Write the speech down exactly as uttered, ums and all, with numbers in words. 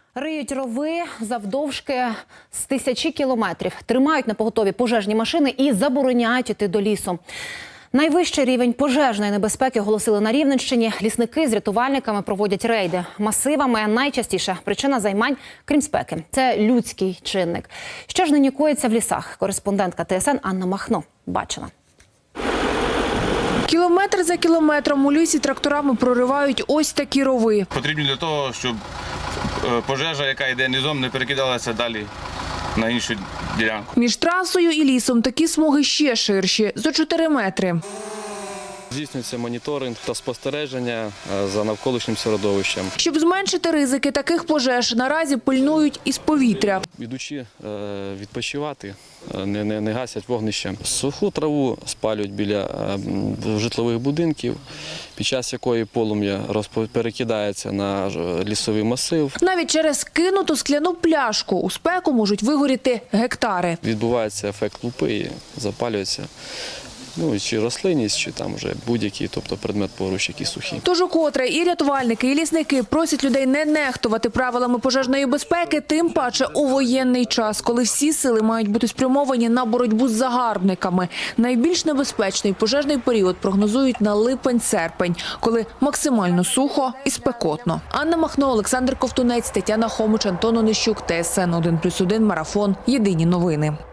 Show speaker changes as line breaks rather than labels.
Риють рови завдовжки з тисячі кілометрів, тримають на поготові пожежні машини і забороняють іти до лісу. Найвищий рівень пожежної небезпеки оголосили на Рівненщині. Лісники з рятувальниками проводять рейди. Масивами найчастіше причина займань, крім спеки – це людський чинник. Що ж нині коїться в лісах? Кореспондентка Т С Н Анна Махно бачила.
Кілометр за кілометром у лісі тракторами проривають ось такі рови.
Потрібні для того, щоб пожежа, яка йде низом, не перекидалася далі на іншу ділянку.
Між трасою і лісом такі смуги ще ширші – зо чотири метри.
Здійснюється моніторинг та спостереження за навколишнім середовищем.
Щоб зменшити ризики таких пожеж, наразі пильнують із повітря.
Ідучи відпочивати, не, не, не гасять вогнище. Суху траву спалюють біля житлових будинків, під час якої полум'я перекидається на лісовий масив.
Навіть через кинуту скляну пляшку у спеку можуть вигоріти гектари.
Відбувається ефект лупи і запалюється. Ну, чи рослинність, чи там вже будь-який, тобто предмет поруч, який сухий.
Тож укотре і рятувальники, і лісники просять людей не нехтувати правилами пожежної безпеки, тим паче у воєнний час, коли всі сили мають бути спрямовані на боротьбу з загарбниками. Найбільш небезпечний пожежний період прогнозують на липень-серпень, коли максимально сухо і спекотно. Анна Махно, Олександр Ковтунець, Тетяна Хомич, Антон Онищук, Т С Н один плюс один, Марафон. Єдині новини.